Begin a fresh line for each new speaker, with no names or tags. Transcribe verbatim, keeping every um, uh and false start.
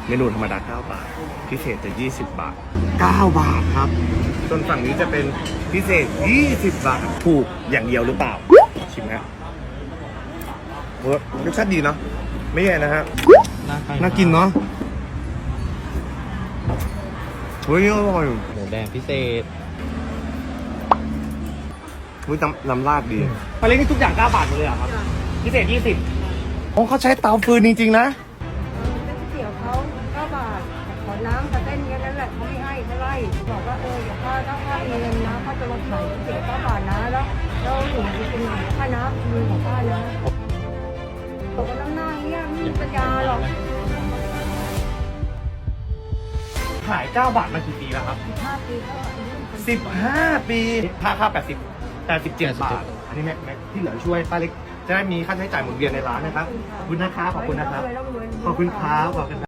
เมนูธรรมดาเก้าบาทพิเศษจะยี่สิบบาทเก้าบาทครับส่วนฝั่งนี้จะเป็นพิเศษยี่สิบบาทถูกอย่างเดียวหรือเปล่าชิมนะเฮ้ยรสชาติดีเนาะไม่แย่นะฮะน่ากินเนาะเฮ้ยอร่อย
หมูแดงพิเศษ
เฮ้ยน้ำน้ำราดดี
ปลาเล็กนี่ทุกอย่างเก้าบาทหมดเลยเหรอครับ พิเศษยี่สิบ
อ๋อเขาใช้เตาฟืนจริงๆนะ
ก๋วยเตี๋ยวเขาเก้าบาทขอน้ำกับเส้นแค่นั้นแหละเขาไม่ให้เท่าไหร่บอกว่าเออเดี๋ยวข้าถ้าข้ามีเงินนะข้าจะลดขายก๋วยเตี๋ยวเก้าบาทนะแล้วแล้วหนูจะกินค่าน้ำมือของข้านะบอกว่าน้ำหน้าเนี้ยไม่มีปัญญาหรอก
ขายเก้าบาทมากี่ปีแล้วครับ
ห้าปีก็อายุ
สิบห้าปี
ค่าค่าแปดสิบแปดสิบเจ็ดบาท อันนี้แม็กแม็กที่เหลือช่วยป้าเล็กจะได้มีค่าใช้จ่ายหมุนเวียนในร้านนะครับ ขอบคุณนะครับ ขอบคุณนะครับ ขอบคุณครับขอบคุณครับ